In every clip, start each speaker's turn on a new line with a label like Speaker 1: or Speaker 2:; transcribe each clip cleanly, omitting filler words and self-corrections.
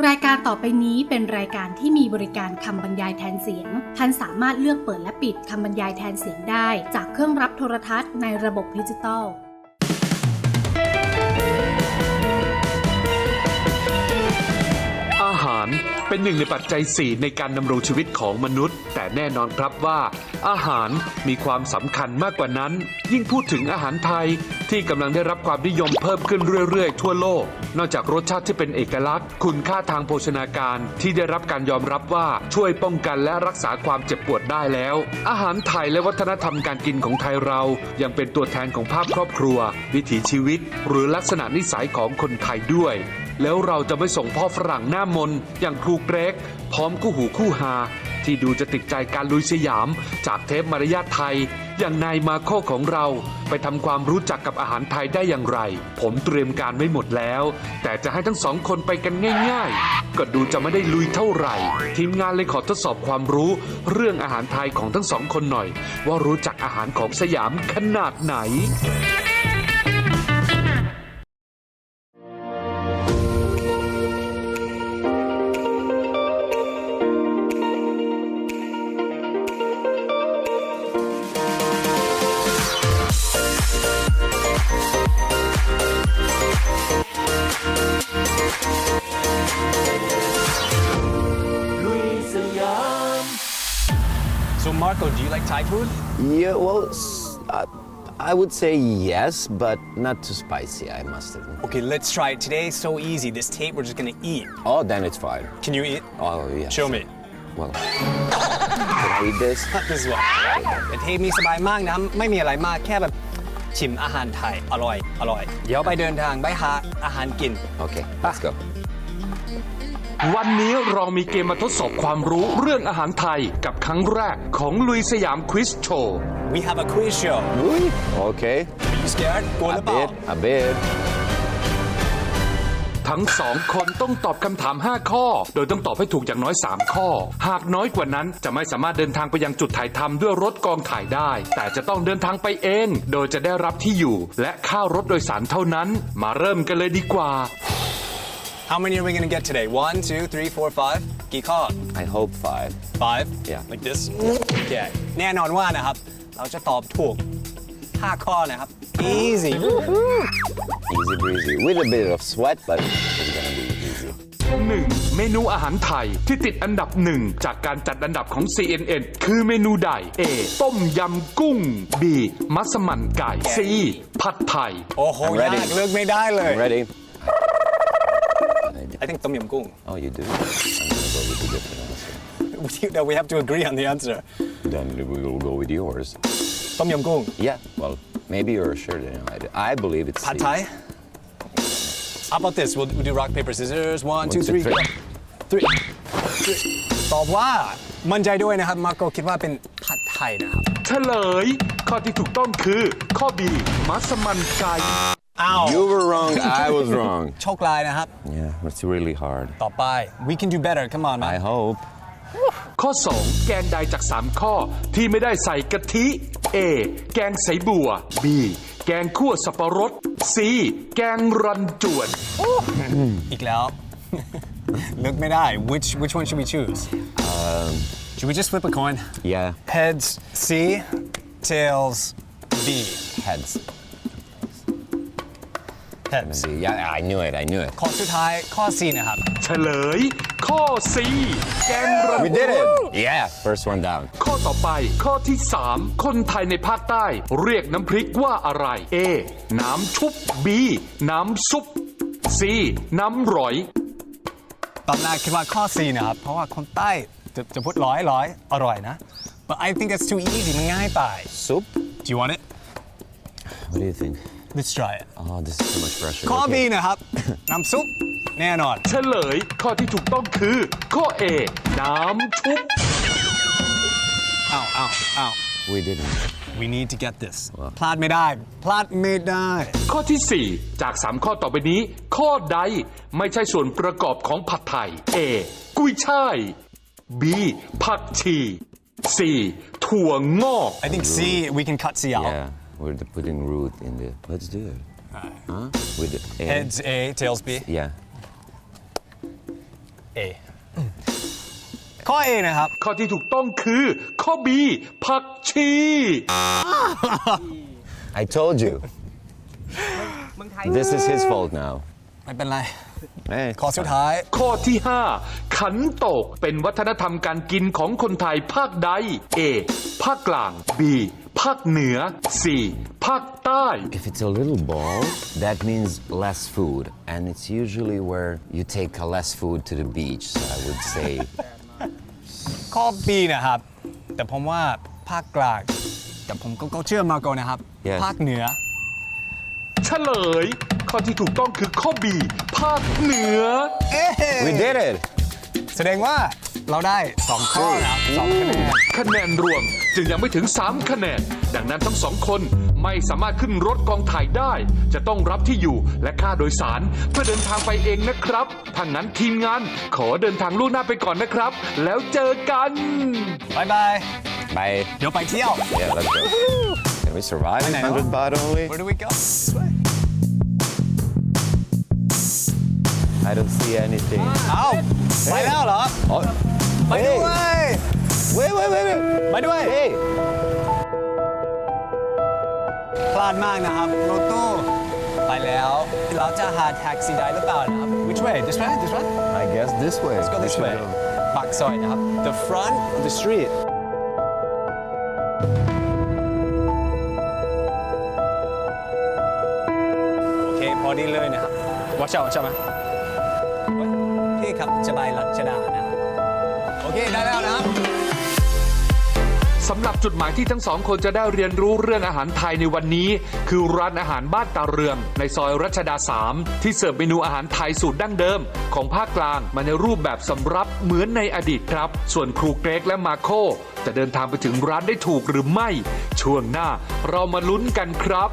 Speaker 1: รายการต่อไปนี้เป็นรายการที่มีบริการคำบรรยายแทนเสียงท่านสามารถเลือกเปิดและปิดคำบรรยายแทนเสียงได้จากเครื่องรับโทรทัศน์ในระบบดิจิตอล
Speaker 2: อาหารเป็นหนึ่งในปัจจัย4ในการดำรงชีวิตของมนุษย์แต่แน่นอนครับว่าอาหารมีความสำคัญมากกว่านั้นยิ่งพูดถึงอาหารไทยที่กำลังได้รับความนิยมเพิ่มขึ้นเรื่อยๆทั่วโลกนอกจากรสชาติที่เป็นเอกลักษณ์คุณค่าทางโภชนาการที่ได้รับการยอมรับว่าช่วยป้องกันและรักษาความเจ็บปวดได้แล้วอาหารไทยและวัฒนธรรมการกินของไทยเรายังเป็นตัวแทนของภาพครอบครัววิถีชีวิตหรือลักษณะนิสัยของคนไทยด้วยแล้วเราจะไม่ส่งพ่อฝรั่งหน้ามนอย่างครูเกรกพร้อมคู่หูคู่หาที่ดูจะติดใจการลุยสยามจากเทปมารยาทไทยอย่างนายมาโคของเราไปทำความรู้จักกับอาหารไทยได้อย่างไรผมเตรียมการไว้หมดแล้วแต่จะให้ทั้งสองคนไปกันง่ายๆก็ดูจะไม่ได้ลุยเท่าไหร่ทีมงานเลยขอทดสอบความรู้เรื่องอาหารไทยของทั้งสองคนหน่อยว่ารู้จักอาหารของสยามขนาดไหน
Speaker 3: So Marco, do you like Thai food?
Speaker 4: Yeah, well, I would say yes, but not too spicy, I must admit.
Speaker 3: Okay, let's try it today. So easy. This tape, we're just gonna eat.
Speaker 4: Oh, then it's fine.
Speaker 3: Can you eat?
Speaker 4: Oh, yeah.
Speaker 3: Show me.
Speaker 4: Well, can I eat this?
Speaker 3: This is what. แต่เทปนี้สบายมากนะไม่มีอะไรมากแค่แบบชิมอาหารไทยอร่อยเดี๋ยวไปเดินทางไปหาอาหารกิน
Speaker 4: Okay, let's go.
Speaker 2: วันนี้เรามีเกมมาทดสอบความรู้เรื่องอาหารไทยกับครั้งแรกของลุยสยามควิซโชว์
Speaker 3: We have a quiz show.
Speaker 4: Really? Okay.
Speaker 3: Are you scared? กลัวห
Speaker 4: A
Speaker 3: รือเปล่า
Speaker 4: bit, a bit.
Speaker 2: ทั้งสองคนต้องตอบคำถาม 5 ข้อ โดยต้องตอบให้ถูกอย่างน้อย 3 ข้อ หากน้อยกว่านั้นจะไม่สามารถเดินทางไปยังจุดถ่ายทำด้วยรถกองถ่ายได้ แต่จะต้องเดินทางไปเอง โดยจะได้รับที่อยู่และค่ารถโดยสารเท่านั้น มาเริ่มกันเลยดีกว่า
Speaker 3: How many are we gonna get today? 1, 2, 3, 4, 5. กี่ข้อ
Speaker 4: I hope 5.
Speaker 3: 5?
Speaker 4: Yeah.
Speaker 3: Like this? Okay. แน่นอนว่านะครับเราจะตอบถูก 5 ข้อนะครับ Easy.
Speaker 4: Easy breezy. With a bit of sweat, but it's gonna be easy.
Speaker 2: 1. เมนูอาหารไทยที่ติดอันดับ 1 จากการจัดอันดับของ CNN คือเมนูใด A ต้มยำกุ้ง B มัสมั่นไก่ C ผัดไทย
Speaker 3: โอ้โห
Speaker 4: I'm ready.
Speaker 3: ยากเลือกไม่ได้เลย
Speaker 4: I'm ready.
Speaker 3: I think ต้มยำกุ้ง
Speaker 4: Oh, you do? I'm gonna go with a different answer.
Speaker 3: We have to agree on the answer.
Speaker 4: Then we will go with yours.
Speaker 3: ต้มยำกุ้ง
Speaker 4: Yeah, well, maybe you're sure that I believe it's
Speaker 3: ผัดไทย How about this? We'll do rock, paper, scissors. 1, 2, 3, 3. ตอบว่ามั่นใจด้วยนะครับ มาร์โกคิดว่าเป็นผัดไทยนะครับ
Speaker 2: เฉลย ข้อที่ถูกต้องคือ ข้อ B มัสมั่นไก่
Speaker 3: อ้าว
Speaker 4: You were wrong, I was wrong.
Speaker 3: โชคลายนะครับ
Speaker 4: Yeah, it's really hard.
Speaker 3: ต่อไป we can do better come on man
Speaker 4: I hope.
Speaker 2: ข้อ 2 แกงใดจาก 3 ข้อที่ไม่ได้ใส่กะทิ A แกงใสบัว B แกงคั่วสับปะรด C แกงรันจวน
Speaker 3: อีกแล้ว เลือกไม่ได้ which one should we choose should we just flip a coin
Speaker 4: Yeah,
Speaker 3: heads C tails B
Speaker 4: heads.
Speaker 3: heads
Speaker 4: See, yeah, I knew it.
Speaker 3: ข้อสุดท้ายข้อ C นะครับ
Speaker 2: เฉลย ข้อ C แกงรัน
Speaker 4: We did it. Yeah, first one down.
Speaker 2: ข้อต่อไปข้อที่ 3 คนไทยในภาคใต้เรียกน้ำพริกว่าอะไร A น้ำชุบ B น้ำซุป C น้ำหรอย
Speaker 3: ตอนแรกคิดว่าข้อ C นะครับ เพราะว่าคนใต้จะพูดร้อยอร่อยนะ but I think that's too easy มันง่ายไป
Speaker 4: Soup?
Speaker 3: do you want it
Speaker 4: What do you think?
Speaker 3: let's try it
Speaker 4: Oh, this is too much pressure.
Speaker 3: ข้อ B
Speaker 4: Okay.
Speaker 3: นะครับ น้ำซุปแน่นอน
Speaker 2: เฉลย ข้อที่ถูกต้องคือ ข้อ A น้ำชุบ
Speaker 3: อ้าว
Speaker 4: We didn't.
Speaker 3: we need to get this พลาดไม่ได้
Speaker 2: ข้อที่ 4 จาก 3 ข้อต่อไปนี้ ข้อใดไม่ใช่ส่วนประกอบของผัดไทย A กุ้ยช่าย B ผักชี C ถั่วงอก
Speaker 3: I think C we can cut C out
Speaker 4: Yeah, we're putting root in the. Let's do it. Huh? With the A.
Speaker 3: heads A tails B
Speaker 4: Yeah.
Speaker 3: A ข้อ A นะครับ
Speaker 2: ข้อที่ถูกต้องคือ ข้อ B ผักชี
Speaker 4: I told you. This is his fault now.
Speaker 3: ไม่เป็นไร
Speaker 4: Hey,
Speaker 3: ข้อสุดท้าย
Speaker 2: ข้อที่ 5 ขันโตกเป็นวัฒนธรรมการกินของคนไทยภาคใด A ภาคกลาง B ภาคเหนือ C ภาคใต้
Speaker 4: If it's a little ball, that means less food. And it's usually where you take less food to the beach. So I would say
Speaker 3: ข้อ B นะครับ แต่ผมว่าภาคกลางแต่ผมก็เชื่อมาโกนะครับ
Speaker 4: Yes.
Speaker 3: ภาคเหนือ
Speaker 2: เฉลย ข้อที่ถูกต้องคือข้อ B ภาคเหนือ
Speaker 4: we did it.
Speaker 3: แสดงว่าเราได้ 2 ข้อนะครับ2คะแนน
Speaker 2: คะแนนรวมจึงยังไม่ถึง 3 คะแนน ดังนั้นทั้งสองคนไม่สามารถขึ้นรถกองถ่ายได้ จะต้องรับที่อยู่และค่าโดยสารเพื่อเดินทางไปเองนะครับถ้างั้นทีมงานขอเดินทางล่วงหน้าไปก่อนนะครับ แล้วเจอกัน
Speaker 3: บายบาย
Speaker 4: Bye.
Speaker 3: เดี๋ยวไปเที่ยว
Speaker 4: Yeah, let's go. Can we survive
Speaker 3: I know.
Speaker 4: 100 baht only?
Speaker 3: Where do we go?
Speaker 4: I don't see anything.
Speaker 3: เอาไปแล้วเหรอ
Speaker 4: Oh,
Speaker 3: ไปด้วย
Speaker 4: wait.
Speaker 3: ไปด้วย
Speaker 4: Hey.
Speaker 3: พลาดมากนะครับรถตู้ไปแล้ว เราจะหาแท็กซี่ได้หรือเปล่านะครับ Which way? This way? This way?
Speaker 4: I guess this way.
Speaker 3: Let's go this
Speaker 4: We
Speaker 3: way.
Speaker 4: should go.
Speaker 3: ปากซอยนะครับ The front of the street โอเค พอดีเลยนะครับ watch out ไหมพี่ครับจะไปรัชดานะครับโอเค ได้แล้วนะครับ
Speaker 2: สำหรับจุดหมายที่ทั้งสองคนจะได้เรียนรู้เรื่องอาหารไทยในวันนี้ คือร้านอาหารบ้านตาเรืองในซอยรัชดา 3 ที่เสิร์ฟเมนูอาหารไทยสูตรดั้งเดิม ของภาคกลางมาในรูปแบบสำรับเหมือนในอดีตครับ ส่วนครูเกรกและมาโคจะเดินทางไปถึงร้านได้ถูกหรือไม่ ช่วงหน้าเรามาลุ้นกันครับ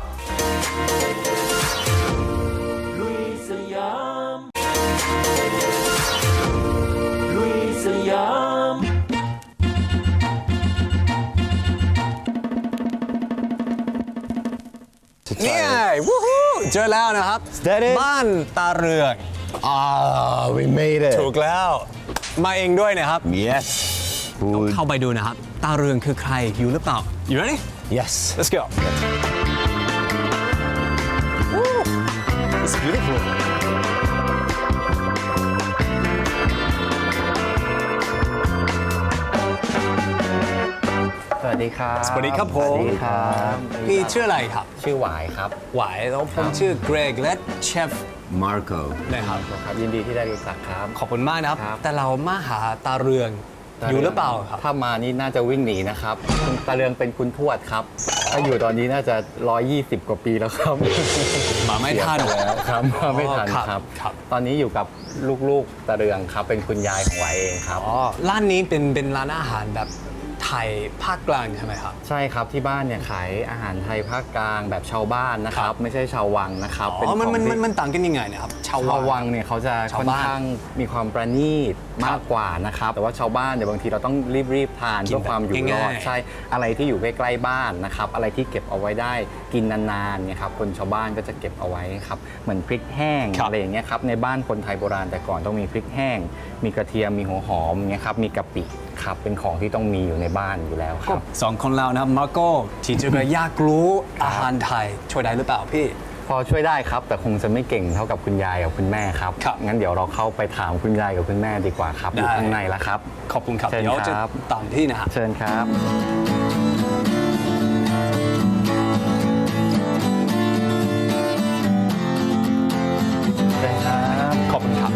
Speaker 3: นี่ไงวู้ฮู้เจอแล้วนะครับ
Speaker 4: that it?
Speaker 3: บ้านตาเรือง
Speaker 4: Ah, we made it.
Speaker 3: ถูกแล้ว มาเองด้วยนะครับ
Speaker 4: Yes. Food.
Speaker 3: เข้าไปดูนะครับ ตาเรืองคือใครอยู่หรือเปล่า You ready?
Speaker 4: Yes.
Speaker 3: Let's go. Woo! It's beautiful.
Speaker 5: สวัสดีครับ
Speaker 3: สวัสดีครับผม
Speaker 5: สวัสดีครับ
Speaker 3: พี่ชื่ออะไรครับ
Speaker 5: ชื่อหวายครับ
Speaker 3: หวายแล้วผมชื่อเกรกและเชฟ
Speaker 4: Marco.
Speaker 3: นะครับ
Speaker 5: ครับยินดีที่ได้รู้จักครับ
Speaker 3: ขอบคุณมากนะครับ
Speaker 5: ครับ
Speaker 3: แต่เรามาหาตาเรืองอยู่หรือเปล่าครับ
Speaker 5: ถ้ามานี่น่าจะวิ่งหนีนะครับคุณตาเรืองเป็นคุณทวดครับถ้าอยู่ตอนนี้น่าจะ120 กว่าปีแล้วครับ
Speaker 3: มาไม่ทัน
Speaker 5: เสียไปแล้วครับมาไม่ทัน
Speaker 3: อ๋อ
Speaker 5: ครับ
Speaker 3: ครับ
Speaker 5: ตอนนี้อยู่กับลูกๆตาเรืองครับเป็นคุณยายของหวายเองครับ
Speaker 3: อ๋อร้านนี้เป็นร้านอาหารแบบไทยภาคกลางใช่ไหมครับ
Speaker 5: ใช่ครับที่บ้านเนี่ยขายอาหารไทยภาคกลางแบบชาวบ้านนะค
Speaker 3: ค
Speaker 5: รั
Speaker 3: รั
Speaker 5: บบ ไม่ใช่ชาววังนะครับ
Speaker 3: อ๋
Speaker 5: เป็น
Speaker 3: อ
Speaker 5: ของที่
Speaker 3: มันต่างกันยังไงนะครับชาว
Speaker 5: ชาว
Speaker 3: วั
Speaker 5: วั
Speaker 3: ง
Speaker 5: งเนี่ยเขาจะ
Speaker 3: ชาว
Speaker 5: ค่อน
Speaker 3: บ้าน
Speaker 5: ข้างมีความประณีตมากกว่านะครับแต่ว่าชาวบ้านเนี่ยบางทีเราต้องรีบทาน
Speaker 3: กิน
Speaker 5: เพื่อความอยู่รอด
Speaker 3: ง่ายๆ
Speaker 5: ใช่อะไรที่อยู่ใกล้ๆบ้านนะครับอะไรที่เก็บเอาไว้ได้กินนานๆเนี่ยครับคนชาวบ้านก็จะเก็บเอาไว้ครับเหมือนพริกแห้ง
Speaker 3: ครับ
Speaker 5: อะไรอย่างเงี้ยครับในบ้านคนไทยโบราณแต่ก่อนต้องมีพริกแห้ง มีกระเทียมมีหัวหอมเงี้ยครับมีกะปิครับเป็นของที่ต้องมีอยู่ในบ้านอยู่แล้วครับ
Speaker 3: สองคนเรานะครับมาโก้ที่จะอยากรู้อาหารไทยช่วยได้หรือเปล่าพี่
Speaker 5: พอช่วยได้ครับแต่คงจะไม่เก่งเท่ากับคุณยายกับคุณแม่ครับ
Speaker 3: ครับ
Speaker 5: งั้นเดี๋ยวเราเข้าไปถามคุณยายกับคุณแม่ดีกว่าครับอยู่
Speaker 3: ได้
Speaker 5: ข้างในแล้วครับ
Speaker 3: ขอบคุณครับ
Speaker 5: เชิญ
Speaker 3: เดี๋ยวจะ
Speaker 5: ครับ
Speaker 3: ตามที่นะครับ
Speaker 5: เชิญครับ เชิญครับ
Speaker 3: ขอบคุณครับ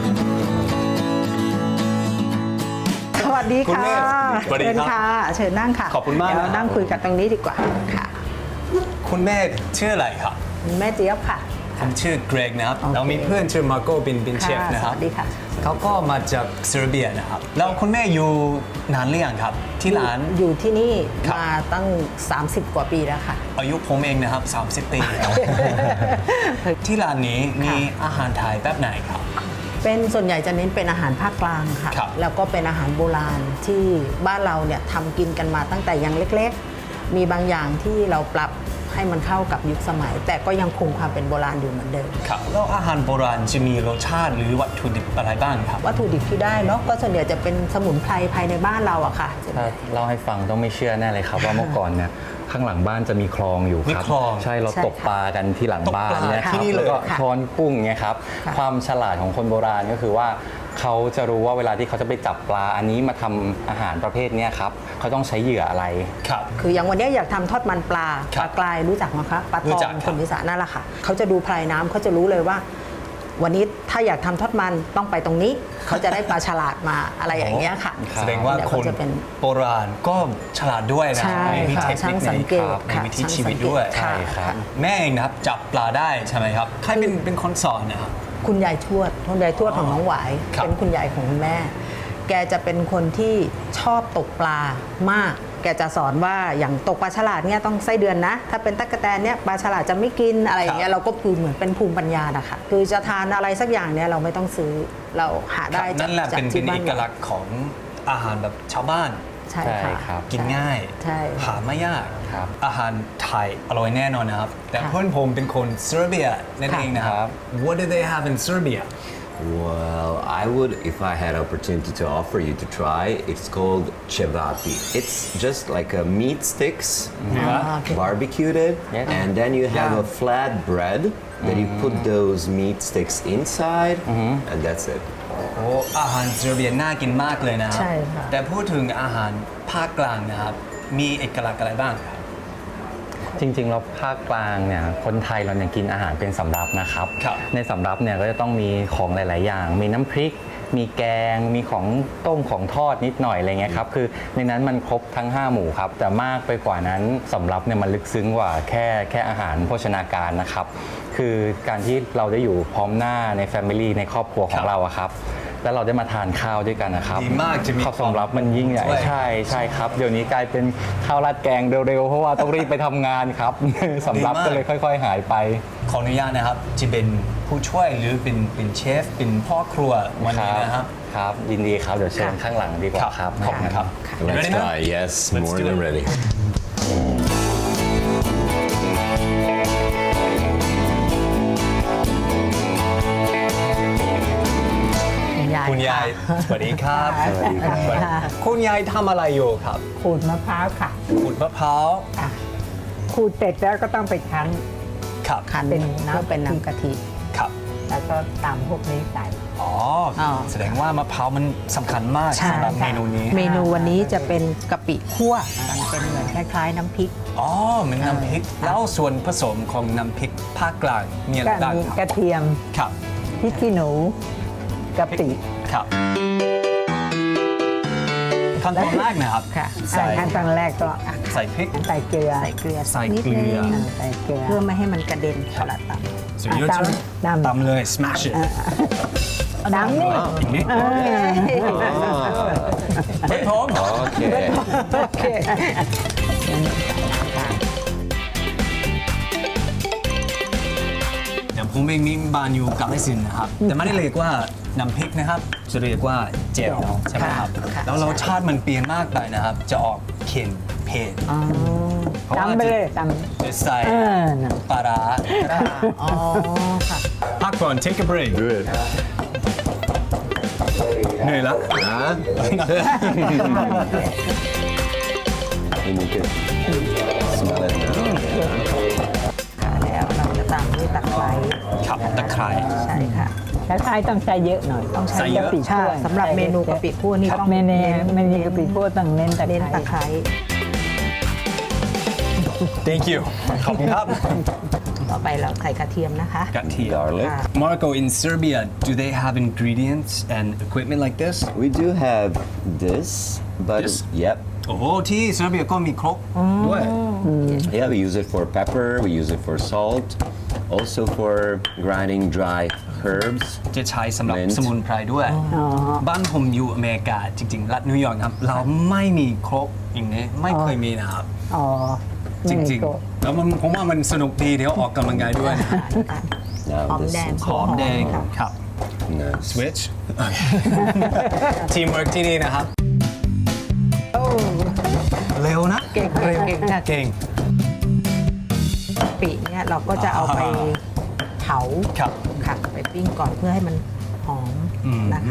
Speaker 6: สวัสดี
Speaker 3: คุณ
Speaker 6: ค่ะ
Speaker 3: แม่สวัสดี
Speaker 6: เชิญ
Speaker 3: ครับ
Speaker 6: ค่ะ เชิญนั่งค่ะ
Speaker 3: ขอบคุณมาก
Speaker 6: เดี๋ยวเรา
Speaker 3: นะครับ
Speaker 6: นั่งคุยกันตรงนี้ดีกว่าค่ะ
Speaker 3: คุณแม่ชื่ออะไรครับ
Speaker 6: แม่เจี๊ยบค่ะ
Speaker 3: ผมชื่อเกรกนะครับ
Speaker 6: โอเค
Speaker 3: เรามีเพื่อนชื่อมาโก้เป็นเชฟ
Speaker 6: ค่ะ
Speaker 3: นะครับ
Speaker 6: สวัสดีค่ะ
Speaker 3: เขาก็มาจากเซอร์เบียนะครับ แล้วคุณแม่อยู่นานหรือยังครับ ที่ร้าน
Speaker 6: อยู่ที่นี่
Speaker 3: ครับ
Speaker 6: มาตั้ง 30 กว่าปีแล้วค่ะ
Speaker 3: อายุผมเองนะครับ 30 ปีครับ ที่ร้านนี้มีอาหารไทยแบบไหนครับ
Speaker 6: เป็นส่วนใหญ่จะเน้นเป็นอาหารภาคกลางค่ะ
Speaker 3: ครับ
Speaker 6: แล้วก็เป็นอาหารโบราณที่บ้านเราเนี่ยทำกินกันมาตั้งแต่ยังเล็กๆ มีบางอย่างที่เราปรับให้มันเข้ากับยุคสมัย แต่ก็ยังคงความเป็นโบราณอยู่เหมือนเดิม
Speaker 3: ครับแล้วอาหารโบราณจะมีรสชาติหรือวัตถุดิบอะไรบ้างครับ
Speaker 6: วัตถุดิบที่ได้เนาะก็ส่วนใหญ่จะเป็นสมุนไพรภายในบ้านเราอะค่ะ
Speaker 5: ถ้าเล่าให้ฟังต้องไม่เชื่อแน่เลยครับ ว่าเมื่อก่อนเนี่ยข้างหลังบ้านจะมีคลองอยู่ครับ
Speaker 3: มีคลอง
Speaker 5: ใช่เรา
Speaker 6: ใช่
Speaker 5: ตกปลากันที่หลังบ้านเนี่ย
Speaker 3: ตกปลา
Speaker 5: ค
Speaker 3: ที่
Speaker 5: รับ
Speaker 3: นี่เลย
Speaker 5: แล้วก็
Speaker 6: ค่ะ
Speaker 5: ช้อนกุ้งเนี่ยครับ
Speaker 6: ค่ะ
Speaker 5: ความฉลาดของคนโบราณก็คือว่าเขาจะรู้ว่าเวลาที่เขาจะไปจับปลาอันนี้มาทำอาหารประเภทเนี้ยครับเขาต้องใช้เหยื่ออะไร
Speaker 3: ครับ
Speaker 6: คืออย่างวันนี้อยากทำทอดมันปลา
Speaker 3: ค
Speaker 6: ป
Speaker 3: รับ
Speaker 6: ลากรายรู้จักไหมคะปลา
Speaker 3: รู้
Speaker 6: ตอ
Speaker 3: จัก
Speaker 6: ง
Speaker 3: ครับ
Speaker 6: คนอีสานนั่นแหละค่ะเขาจะดูพลายน้ำเขาจะรู้เลยว่า วันนี้ถ้าอยากทำทอดมันต้องไปตรงนี้ เขาจะได้ปลาฉลาดมาอะไรอย่างเงี้ยค่ะ
Speaker 3: แสดงว่า
Speaker 6: เดี๋ย
Speaker 3: คน
Speaker 6: จะเป็น
Speaker 3: โบราณก็ฉลาดด้วยนะ
Speaker 6: ใช่
Speaker 3: มี
Speaker 6: ค่ะ
Speaker 3: เทค
Speaker 6: ช่า
Speaker 3: นิ
Speaker 6: ง
Speaker 3: ค
Speaker 6: สังเกต
Speaker 3: ใน
Speaker 6: ค่ะ
Speaker 3: วิถี
Speaker 6: ช่าง
Speaker 3: ชีวิต
Speaker 6: สังเกต
Speaker 3: ด้วย
Speaker 6: ค่ะ
Speaker 5: ใช่ครับ
Speaker 3: แม่เองนะครับจับปลาได้ใช่ไหมครับใครเป็นคนสอนนะครับ
Speaker 6: คุณยายทวดคุณยายทวดของน้องหวาย
Speaker 3: ครับ
Speaker 6: เป็นคุณยายของคุณแม่ แกจะเป็นคนที่ชอบตกปลามาก แกจะสอนว่าอย่างตกปลาฉลาดเนี่ยต้องไส้เดือนนะ ถ้าเป็นตั๊กแตนเนี่ยปลาฉลาดจะไม่กินอะไรอย่างเงี้ยเราก็คือเหมือนเป็นภูมิปัญญานะคะคือจะทานอะไรสักอย่างเนี่ยเราไม่ต้องซื้อเราหาได้
Speaker 3: ครับ
Speaker 6: จาก
Speaker 3: นั่นแหละ
Speaker 6: จาก
Speaker 3: เป็น
Speaker 6: ที่
Speaker 3: เอ
Speaker 6: บ้าน
Speaker 3: กลักษณ์ของอาหารแบบชาวบ้าน
Speaker 6: ใช่
Speaker 5: ใช่
Speaker 6: ค่ะ
Speaker 5: ครับ
Speaker 3: กินง่าย
Speaker 6: ใช่
Speaker 3: หาไม่ยาก
Speaker 5: ครับ
Speaker 3: อาหารไทยอร่อยแน่นอนนะครับ แต่
Speaker 6: ค่ะ
Speaker 3: เพื่อนผมเป็นคนเซอร์เบียนั่นเองนะครับ What do they have in Serbia
Speaker 4: Well, I would, if I had opportunity to offer you to try, it's called cevapi. It's just like a meat sticks, barbecued it,
Speaker 5: Yeah.
Speaker 4: and then you have
Speaker 3: Yeah.
Speaker 4: a flat bread that you put those meat sticks inside, and that's it.
Speaker 3: โอ้อาหารเซอร์เบียน่ากินมากเลยนะครับ
Speaker 6: ใช่ค่ะ
Speaker 3: แต่พูดถึงอาหารภาคกลางนะครับ มีเอกลักษณ์อะไรบ้างครับ
Speaker 5: จริงๆแล้วภาคกลางเนี่ยคนไทยเราเนี่ยกินอาหารเป็นสำรับนะครับ
Speaker 3: ครับ
Speaker 5: ในสำรับเนี่ยก็จะต้องมีของหลาย ๆ อย่าง มีน้ำพริก มีแกง มีของต้มของทอดนิดหน่อยอะไรเงี้ยครับคือในนั้นมันครบทั้ง 5 หมู่ครับแต่มากไปกว่านั้นสำรับเนี่ยมันลึกซึ้งกว่าแค่อาหารโภชนาการนะครับคือการที่เราได้อยู่พร้อมหน้าในแฟมิลี่ในครอบครัวของเราอะครับแล้วเราได้มาทานข้าวด้วยกันนะครับ
Speaker 3: ดีมากจะมี
Speaker 5: ข้าวสำรับมันยิ่งใหญ่
Speaker 3: ด้วย
Speaker 5: ใช่ครับเดี๋ยวนี้กลายเป็นข้าวราดแกงเร็วๆเพราะว่าต้องรีบไปทำงานครับ สำรับก็เลยค่อย ๆ หายไป
Speaker 3: ขออนุญาตนะครับจะเป็นผู้ช่วยหรือเป็นเชฟเป็นพ่อครัววันนี้นะครับ
Speaker 5: ครับยินดีครับเดี๋ยวเชิญข้างหลังดีกว่าครับ
Speaker 3: ขอบคุณครับ
Speaker 4: Let's
Speaker 3: Ready now?
Speaker 4: try. Yes,
Speaker 3: Let's
Speaker 4: more
Speaker 3: do
Speaker 4: than
Speaker 3: it.
Speaker 4: ready.
Speaker 3: คุณยายสวัสดีครับ
Speaker 6: สวัสดีค่ะ
Speaker 3: คุณยายทำอะไรอยู่ครับ
Speaker 7: ขูดมะพร้าวค่ะ
Speaker 3: ขูดมะพร้าว
Speaker 7: ขูดเสร็จแล้วก็ต้องไปคั้น
Speaker 3: ครับ
Speaker 6: คัน
Speaker 7: เป็น
Speaker 6: เพื่อเป็นน้ำกะทิ
Speaker 3: ครับ
Speaker 7: แล้วก็ตามพวกนี้ใส่
Speaker 3: อ๋อ
Speaker 6: อ๋อ
Speaker 3: แสดงว่ามะพร้าวมันสำคัญมาก
Speaker 6: ใช่
Speaker 3: สำหรับ
Speaker 6: ค่ะ
Speaker 3: เมนูนี้
Speaker 6: เมนูวันนี้จะเป็นกะปิคั่วมันเป็นเหมือนคล้ายๆน้ำพริก
Speaker 3: อ๋อเหมือนน้ำพริก แล้วส่วนผสมของน้ำพริกภาคกลางมีอะไร
Speaker 7: ก็
Speaker 3: บ้าง
Speaker 7: มี
Speaker 3: ค
Speaker 7: ก
Speaker 3: รับ
Speaker 7: ระเทียม
Speaker 3: ครับ
Speaker 7: พริกขี้หนูกะปิ
Speaker 3: ครับขั้นตอนแรกนะครับ
Speaker 6: ค่ะ
Speaker 3: ใส่
Speaker 7: ขั้นตอนแรกก็
Speaker 3: ใส่พริก
Speaker 7: ใส่เกลือ
Speaker 6: ใส่เกลือ
Speaker 3: ใส่
Speaker 6: นิด
Speaker 3: เกลื
Speaker 6: นึ
Speaker 3: อ
Speaker 6: ง
Speaker 7: ใส่เกลือ
Speaker 6: เพื่อไม่ให้มันกระเด็นเวลาต
Speaker 3: so you
Speaker 7: ตำ
Speaker 3: just
Speaker 7: ตำ
Speaker 3: ตำเลย smash it
Speaker 7: น้ำนี่
Speaker 3: อย่างนี้เฮ้ยพร้อม
Speaker 4: Okay.
Speaker 7: โอเค
Speaker 3: อย่างผมเองมีบ้านอยู่กาฬสินธุ์นะครับ แต่ไม่ได้เรียกว่าน้ำพริกนะครับ จะเรียกว่าเจลใช่ไหมครับ
Speaker 6: ค่ะ
Speaker 3: แล้วรสชาติมันเปลี่ยนมากไปนะครับ จะออกเค็มเผ็ดเพราะว่า
Speaker 7: ตำไปเลยต
Speaker 3: จะใส่
Speaker 7: น่ะ
Speaker 3: ปลาร้า
Speaker 6: ำอ๋อค่ะ
Speaker 3: พักก่อน take a break
Speaker 4: Good.
Speaker 3: เหนื่อยแล้ว
Speaker 4: Huh? And you can smell it now.
Speaker 6: ค่ะแล้วเราจะตามด้วยตะไคร้
Speaker 3: ครับตะไคร้
Speaker 6: ใช่ค่ะ
Speaker 7: คล้ายๆต้องใช้เยอะหน่อยต้อง
Speaker 3: ใส่เยอะ
Speaker 7: กะปิ
Speaker 6: ใช่
Speaker 7: คั่ว
Speaker 6: สำหรับเมนูกะปิคั่วนี่ต้อง
Speaker 7: เมนูกะปิคั่วต้องเน้นตะ
Speaker 6: เน้น
Speaker 7: ไคร้
Speaker 6: ตะไคร้
Speaker 3: thank you ขอบคุณครับ
Speaker 6: ต่อไปเราใส่กระเทียมนะคะ
Speaker 3: กระเทียม
Speaker 4: Garlic.
Speaker 3: Marco in Serbia do they have ingredients and equipment like this
Speaker 4: We do have this, but
Speaker 3: This?
Speaker 4: yep.
Speaker 3: โอ้โหที่เซอร์เบียก็มีครบด้วย
Speaker 4: Yeah, we use it for pepper, we use it for salt, also for grinding dry herbs.
Speaker 3: จะใช้สำหรับ
Speaker 4: Mint
Speaker 3: สมุนไพรด้วย บ้านผมอยู่อเมริกาจริง ๆ รัฐนิวยอร์กนะครับ เราไม่มีครบอย่างนี้ไม่เคยมีนะครับ
Speaker 7: อ๋อ
Speaker 3: จ
Speaker 7: ไม่มี
Speaker 3: ริง
Speaker 7: โกะ
Speaker 3: ๆ แล้วผมว่ามันสนุกดีเดี๋ยวออกกำลังกายด้วย
Speaker 4: Now
Speaker 6: หอม
Speaker 4: this
Speaker 6: แดง
Speaker 4: is
Speaker 3: หอมแดงครับ
Speaker 4: nice.
Speaker 3: switch ทีมเวิร์กที่นี่นะครับ เร็วนะ
Speaker 6: เก่งค่ะเก่งค่ะ
Speaker 3: เก่ง
Speaker 6: ปิเนี่ยเราก็จะเอาไปเผา
Speaker 3: ครับ
Speaker 6: ค่ะไปปิ้งก่อนเพื่อให้มันหอมนะคะ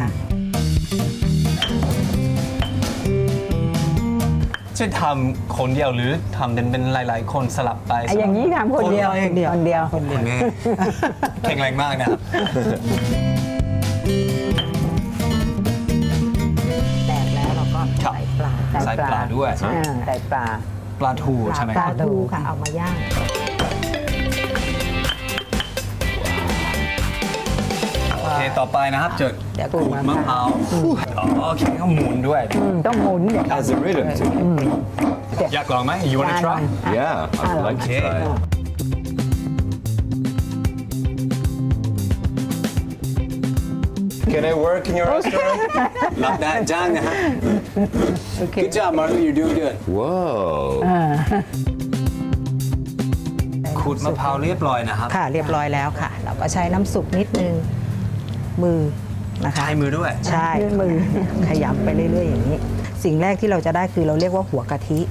Speaker 3: จะทำคนเดียวหรือทำเป็นหลายๆ คนสลับไป
Speaker 7: ไอ้อย่างนี้ทำคนเดียว
Speaker 3: คนเดียว
Speaker 7: คนเดียว
Speaker 3: คุณแม่แข็งแรงมากนะครับ
Speaker 6: แตกแล้วเราก็
Speaker 3: ครับ
Speaker 6: ใส่ปลา
Speaker 3: ใส่ปลาด้วย
Speaker 7: ใส่ปลา
Speaker 3: ปลาทูใช่ไหม
Speaker 6: ปลาทูค่ะเอามาย่าง
Speaker 3: โอเคต่อไปนะครับจะ
Speaker 6: เดี๋ยว
Speaker 3: ขูดมะพร้าวโอเคก็หมุนด้วย
Speaker 7: ต้องหมุนเดี๋ยว
Speaker 4: Has a rhythm to it.
Speaker 3: อยากลองไหม you wanna try
Speaker 4: Yeah, I'd like to
Speaker 3: Okay.
Speaker 4: try it. Can I work in your restaurant?
Speaker 3: รับได้จ้างนะฮะ Good job Marlo you're doing good
Speaker 4: Whoa.
Speaker 3: ขูดมะพร้าวเรียบร้อยนะครับ
Speaker 6: ค่ะเรียบร้อยแล้วค่ะ เราก็ใช้น้ำซุปนิดนึงมือนะคะ
Speaker 3: ใช้มือด้วย
Speaker 6: ใช่มือขยำไปเรื่อย ๆ อย่างนี้ สิ่งแรกที่เราจะได้คือเราเรียกว่าหัวกะทิ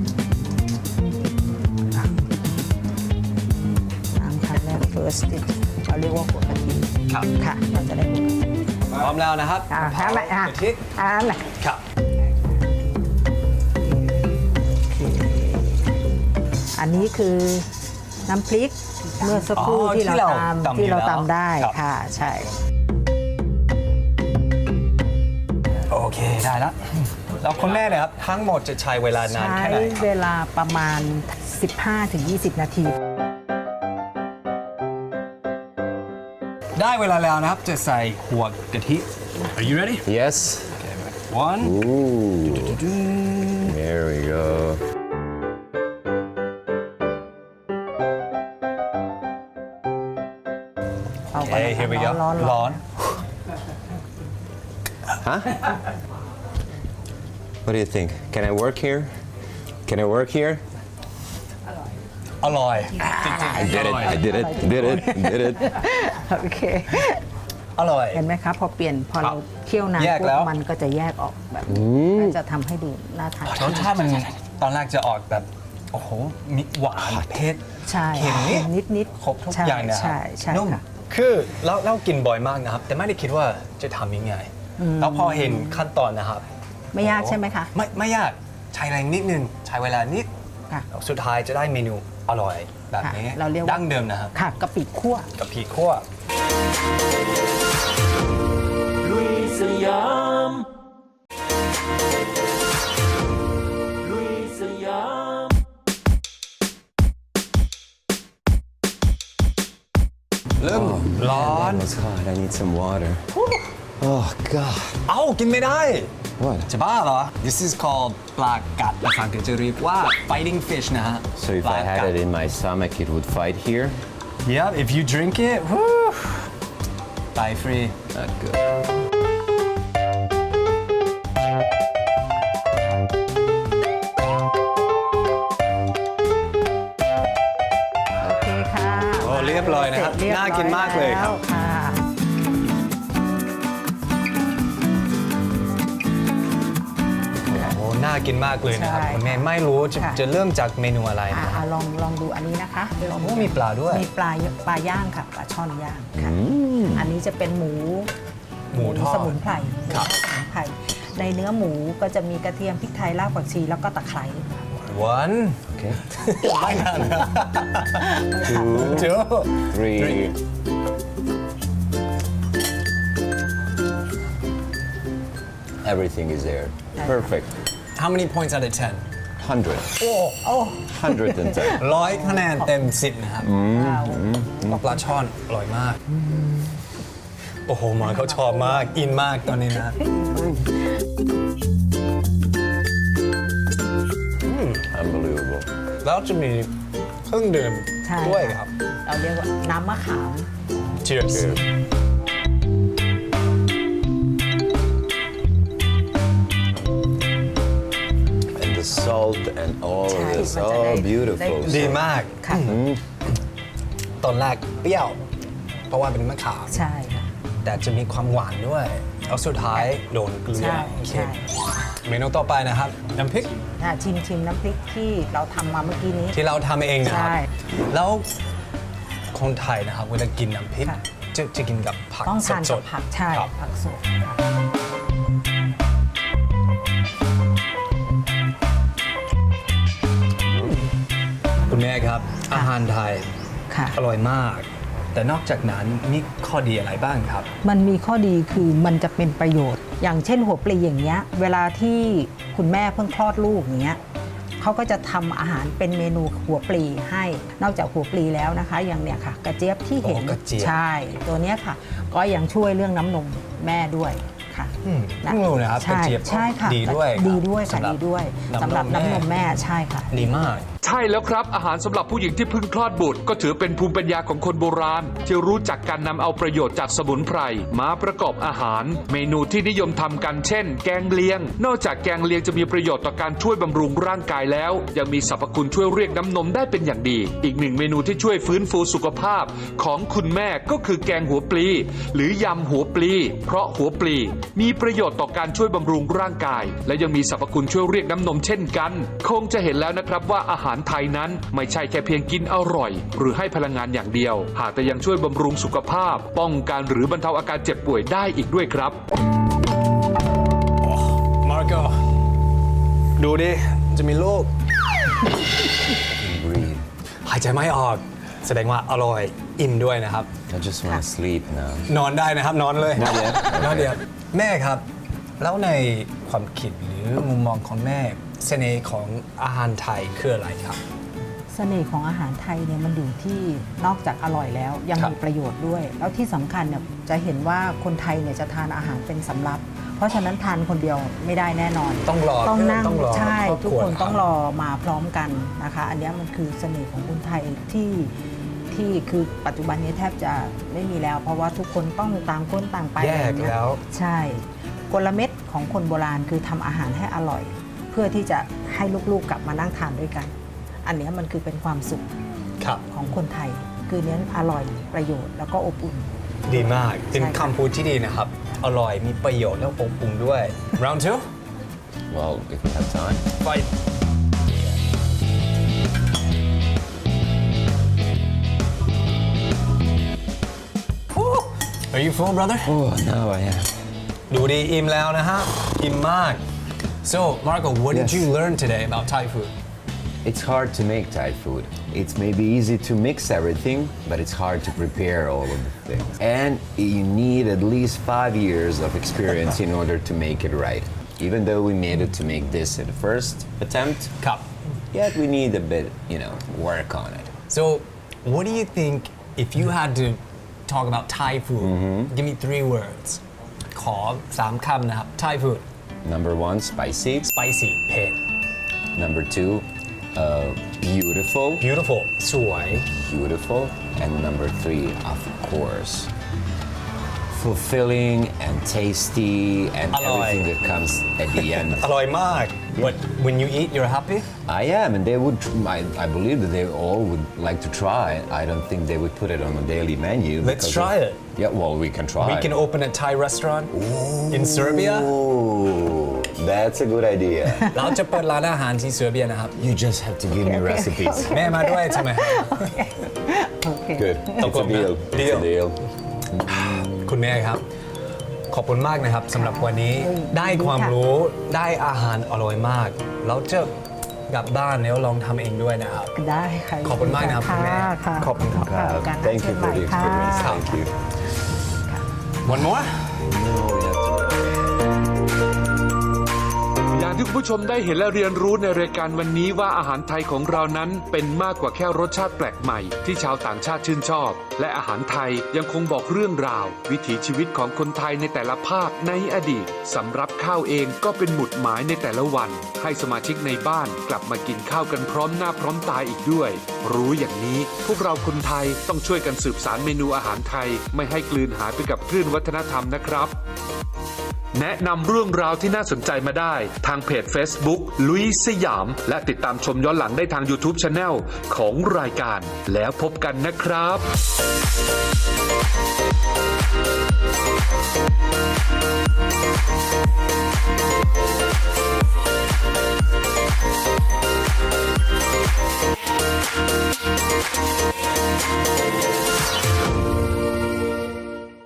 Speaker 6: น้ำขั้นแรก first dish เราเรียกว่าหัวกะทิ
Speaker 3: ครับ
Speaker 6: ค่ะ เราจะได้หัวกะทิ
Speaker 3: พร้อมแล้วนะครับ
Speaker 7: อ่า
Speaker 3: มะพร้าว
Speaker 7: ทำไมอ่ะ
Speaker 3: กะทิ
Speaker 7: น่ะ
Speaker 3: ครับ
Speaker 6: อันนี้คือน้ำพริกเมื่อสักครู่
Speaker 3: อ๋อ
Speaker 6: ที่เรา
Speaker 3: ที่เราตำ
Speaker 6: ตำได้
Speaker 3: ครับ
Speaker 6: ค่ะ ใช่
Speaker 3: โอเคได้แล้วแล้วคนแม่เนี่ยครับทั้งหมดจะใช้เวลานาน
Speaker 6: ใช้
Speaker 3: แค่ไหน
Speaker 6: เวลาประมาณ 15-20 นาที
Speaker 3: ได้เวลาแล้วนะครับจะใส่หัวกะทิ Are you ready?
Speaker 4: Yes.
Speaker 3: One
Speaker 4: Ooh. There we go.
Speaker 6: เอาไป
Speaker 3: Okay here we go
Speaker 6: ร้อน
Speaker 3: ร้อน
Speaker 4: Huh? What do you think? Can I work here? Can I work here?
Speaker 3: อร่อย
Speaker 4: I did it. I did it. Did it. Did it.
Speaker 6: โอเค
Speaker 3: อร่อย
Speaker 6: เห็นไหมคะพอเปลี่ยนพอเราเคี่ยวน้ำ
Speaker 3: แยก
Speaker 6: ปุ๊
Speaker 3: แล้ว
Speaker 6: บมันก็จะแยกออกแบบก็จะทำให้ดูน่าทาน
Speaker 3: รสชาติมันตอนแรกจะออกแบบ โอ้โหมีหวานเผ็ด
Speaker 6: ใช่
Speaker 3: เค็มนิด
Speaker 6: นิด
Speaker 3: ครบทุก
Speaker 6: ใช่
Speaker 3: อย่างนะครั
Speaker 6: ใช่ใช่
Speaker 3: นุ่ม
Speaker 6: ค่ะ
Speaker 3: คือเรากินบ่อยมากนะครับ แต่ไม่ได้คิดว่าจะทำยังไง แล้วพอเห็นขั้นตอนนะครับ
Speaker 6: ไม่ยากใช่ไหมคะ
Speaker 3: ไม่ยากใช้แรงนิดนึงใช้เวลานิด
Speaker 6: ค่ะ
Speaker 3: แล้วสุดท้ายจะได้เมนูอร่อยแบบนี้
Speaker 6: ค่ะเราเรียกว่า
Speaker 3: ดั้งเดิมนะครับ
Speaker 6: ค่ะกะปิคั่ว
Speaker 3: กับผีคั่ว เริ่มร้อน
Speaker 4: It's hot. I need some water. Oh God.
Speaker 3: เอ้ากินไม่ได้
Speaker 4: What?
Speaker 3: จะบ้าเหรอ This is called ปลากัดภาษาอังกฤษจะเรียกว่า fighting fish นะฮะ
Speaker 4: So if
Speaker 3: ปลา
Speaker 4: I
Speaker 3: กัด
Speaker 4: had it in my stomach, it would fight here.
Speaker 3: Yeah if you drink it whew, ตายฟรี
Speaker 4: Not good.
Speaker 6: โอเคค่ะ
Speaker 3: โอ้เรียบร้อยนะครับ
Speaker 6: เสจเยบร้อย
Speaker 3: น่ากินมากเลยครับ
Speaker 6: แล้วค่ะ
Speaker 3: โอ้น่ากินมากเลยนะครับ
Speaker 6: ใช่
Speaker 3: คุณแม่ไม่รู้จะ
Speaker 6: ค่ะ
Speaker 3: จะเริ่มจากเมนูอะไรนะ
Speaker 6: ลองดูอันนี้นะคะ
Speaker 3: โอ้มีปลาด้วย
Speaker 6: มีปลาย่างค่ะปลาช่อนย่างค่ะ อันนี้จะเป็นหมู
Speaker 3: หมูทอด
Speaker 6: สมุนไพร
Speaker 3: ครับ
Speaker 6: สมุนไพรในเนื้อหมูก็จะมีกระเทียมพริกไทยรากผักชีแล้วก็ตะไคร้
Speaker 3: one
Speaker 4: Okay.
Speaker 3: ไม่นานนะ
Speaker 4: Two.
Speaker 3: two
Speaker 4: Three. Everything is there. Perfect.
Speaker 3: how many points out of 10
Speaker 4: 100.
Speaker 6: โอ้
Speaker 4: 110.
Speaker 3: ร้อยคะแนนเต็ม 10 นะครับปลาช่อนอร่อยมาก โอ้โหหมอนเขาชอบมาก อินมากตอนนี้นะ
Speaker 4: Unbelievable.
Speaker 3: แล้วจะมีเครื่องดื่ม
Speaker 6: ใช่
Speaker 3: ด้วยครับ
Speaker 6: เราเรียกว่าน้ำมะขาม
Speaker 3: cheers
Speaker 4: And the salt and all of this.
Speaker 6: ใช่มันจะได้
Speaker 4: Oh, beautiful.
Speaker 3: ดีมาก
Speaker 6: ค่ะ
Speaker 3: ตอนแรกเปรี้ยว เพราะว่าเป็นมะขาม
Speaker 6: ใช่ค่ะ
Speaker 3: แต่จะมีความหวานด้วยแล้วสุดท้ายโดนเกลือ
Speaker 6: ใช่
Speaker 3: เค็ม
Speaker 6: ใช่
Speaker 3: เมนูต่อไปนะครับน้ำพริก
Speaker 6: ชิมน้ำพริกที่เราทำมาเมื่อกี้นี้
Speaker 3: ที่เราทำเองนะครับ
Speaker 6: ใช่
Speaker 3: แล้วคนไทยนะครับเวลากินน้ำพริก
Speaker 6: ค่ะ
Speaker 3: จะกินกับผัก
Speaker 6: ต้องทาน
Speaker 3: ส
Speaker 6: กับ
Speaker 3: ด
Speaker 6: ผักใช่
Speaker 3: ครับ
Speaker 6: ผักสดค่ะ
Speaker 3: คุณแม่ครับ อาหารไทย
Speaker 6: ค่ะ
Speaker 3: อร่อยมาก แต่นอกจากนั้นมีข้อดีอะไรบ้างครับ
Speaker 6: มันมีข้อดีคือมันจะเป็นประโยชน์ อย่างเช่นหัวปลีอย่างเงี้ยเวลาที่คุณแม่เพิ่งคลอดลูกอย่างเงี้ยเขาก็จะทำอาหารเป็นเมนูหัวปลีให้ นอกจากหัวปลีแล้วนะคะ อย่างเนี้ยค่ะ กระเจี๊ยบที่เห็น
Speaker 3: อ๋อกระเจี๊ยบ
Speaker 6: ใช่ ตัวเนี้ยค่ะ ก็ยังช่วยเรื่องน้ำนมแม่ด้วยค่ะ
Speaker 3: เพิ่งรู้นะครับกระ
Speaker 6: ใช่
Speaker 3: เจี๊ยบ
Speaker 6: ใช่ค่ะ
Speaker 3: ดีด้วยครับ
Speaker 6: ดีด้วยค่ะ
Speaker 3: สำหรับ
Speaker 6: ดีด้วย
Speaker 3: น้ำนม
Speaker 6: สำหรับน้ำนมแม่ใช่ค่ะ
Speaker 3: ดีมาก
Speaker 2: ใช่แล้วครับอาหารสำหรับผู้หญิงที่เพิ่งคลอดบุตรก็ถือเป็นภูมิปัญญาของคนโบราณ ที่รู้จักการนำเอาประโยชน์จากสมุนไพรมาประกอบอาหาร เมนูที่นิยมทำกันเช่น แกงเลียง นอกจากแกงเลียงจะมีประโยชน์ต่อการช่วยบำรุงร่างกายแล้ว ยังมีสรรพคุณช่วยเรียกน้ำนมได้เป็นอย่างดี อีกหนึ่งเมนูที่ช่วยฟื้นฟูสุขภาพของคุณแม่ก็คือแกงหัวปลี หรือยำหัวปลี เพราะหัวปลีมีประโยชน์ต่อการช่วยบำรุงร่างกาย และยังมีสรรพคุณช่วยเรียกน้ำนมเช่นกัน คงจะเห็นแล้วนะครับว่าอาหารไทยนั้นไม่ใช่แค่เพียงกินอร่อย หรือให้พลังงานอย่างเดียว หากแต่ยังช่วยบำรุงสุขภาพ ป้องกันหรือบรรเทาอาการเจ็บป่วยได้อีกด้วยครับ
Speaker 3: มาร์โกดูดิ จะมีลูก
Speaker 4: Breathe.
Speaker 3: หายใจไม่ออก แสดงว่าอร่อย อิ่มด้วยนะครับ
Speaker 4: I just want to sleep now.
Speaker 3: นอนได้นะครับ นอนเลย
Speaker 4: Not yet.
Speaker 3: นอนเดียวแม่ครับ แล้วในความคิดหรือมุมมองของแม่ เสน่ห์ของอาหารไทยคืออะไรครับ
Speaker 6: เสน่ห์ของอาหารไทยเนี่ยมันอยู่ที่นอกจากอร่อยแล้วยัง
Speaker 3: ครับ
Speaker 6: มีประโยชน์ด้วย แล้วที่สำคัญเนี่ยจะเห็นว่าคนไทยเนี่ยจะทานอาหารเป็นสำรับ เพราะฉะนั้นทานคนเดียวไม่ได้แน่นอน
Speaker 3: ต้องรอ
Speaker 6: ต้องนั่ง
Speaker 3: ต้องรอ
Speaker 6: ใช่
Speaker 3: ครอบครัว
Speaker 6: ทุกคนต้อง
Speaker 3: ทำ
Speaker 6: รอมาพร้อมกันนะคะ อันเนี้ยมันคือเสน่ห์ของคนไทยที่คือปัจจุบันนี้แทบจะไม่มีแล้ว เพราะว่าทุกคนต้องต่างคนต่างไป
Speaker 3: แยก
Speaker 6: อะไรเงี้ย
Speaker 3: แล้ว
Speaker 6: ใช่กลเม็ดของคนโบราณคือทำอาหารให้อร่อย เพื่อที่จะให้ลูกๆกลับมานั่งทานด้วยกัน อันเนี้ยมันคือเป็นความสุข
Speaker 3: ครับ
Speaker 6: ของคนไทย คือเน้นอร่อยประโยชน์แล้วก็อบอุ่น
Speaker 3: ดีมาก เป็น
Speaker 6: ใช่ค่ะ
Speaker 3: คำพูดที่ดีนะครับ อร่อยมีประโยชน์แล้วอบอุ่นด้วย round two
Speaker 4: Well, if we have time.
Speaker 3: fight Are you full brother
Speaker 4: Oh, now I am.
Speaker 3: ดูดีอิ่มแล้วนะฮะอิ่มมาก So Marco what did
Speaker 4: Yes.
Speaker 3: you learn today about Thai food
Speaker 4: It's hard to make Thai food. It's maybe easy to mix everything, but it's hard to prepare all of the things. And you need at least 5 years of experience in order to make it right. Even though we made it to make this in the first attempt,
Speaker 3: ครับ
Speaker 4: yet we need a bit, work on it.
Speaker 3: So what do you think if you had to talk about Thai food give me 3 words ขอ 3 คำนะครับ Thai food
Speaker 4: Number 1, spicy.
Speaker 3: spicy เผ็ด
Speaker 4: Number 2, beautiful.
Speaker 3: beautiful สวย
Speaker 4: Beautiful. And number 3, of course, fulfilling and tasty and
Speaker 3: Aloy.
Speaker 4: everything that comes at the end.
Speaker 3: อร่อยมาก But when you eat you're happy
Speaker 4: I am, and they would. I believe that they all would like to try. I don't think they would put it on a daily menu.
Speaker 3: Let's
Speaker 4: because
Speaker 3: try
Speaker 4: of-
Speaker 3: it.
Speaker 4: Yeah, well, we can try.
Speaker 3: we can open a Thai restaurant in Serbia
Speaker 4: Oh, that's a good idea.
Speaker 3: เราจะเปิดร้านอาหารที่เซอร์เบียนะครับ
Speaker 4: You just have to give me
Speaker 6: Okay, okay.
Speaker 4: recipes.
Speaker 3: แม่มาด้วยใช่ไหม
Speaker 6: โอเค
Speaker 4: Good. It's a
Speaker 3: Okay.
Speaker 4: deal. It's
Speaker 3: Deal.
Speaker 4: a deal.
Speaker 3: คุณแม่ครับ ขอบคุณมากนะครับสำหรับวันนี้ ได้ความรู้ได้อาหารอร่อยมากแล้วจะกลับบ้านแล้วลองทำเองด้วยนะครับ
Speaker 6: ได้ค่ะ
Speaker 3: ขอบคุณมากนะครับคุณแม่
Speaker 6: ค่ะ
Speaker 3: ขอบคุณครับ
Speaker 6: การ
Speaker 4: Thank you for the
Speaker 6: ค่ะ
Speaker 4: experience. Thank you.
Speaker 3: One more
Speaker 4: No, we have to.
Speaker 2: อย่างที่คุณผู้ชมได้เห็นและเรียนรู้ในรายการวันนี้ว่าอาหารไทยของเรานั้นเป็นมากกว่าแค่รสชาติแปลกใหม่ที่ชาวต่างชาติชื่นชอบ และอาหารไทยยังคงบอกเรื่องราว วิถีชีวิตของคนไทยในแต่ละภาคในอดีตสำหรับข้าวเองก็เป็นหมุดหมายในแต่ละวัน ให้สมาชิกในบ้านกลับมากินข้าวกันพร้อมหน้าพร้อมตาอีกด้วย รู้อย่างนี้พวกเราคนไทยต้องช่วยกันสืบสานเมนูอาหารไทยไม่ให้กลืนหายไปกับคลื่นวัฒนธรรมนะครับ แนะนำเรื่องราวที่น่าสนใจมาได้ทางเพจ Facebook ลุยสยาม และติดตามชมย้อนหลังได้ทาง YouTube Channel ของรายการแล้วพบกันนะครับ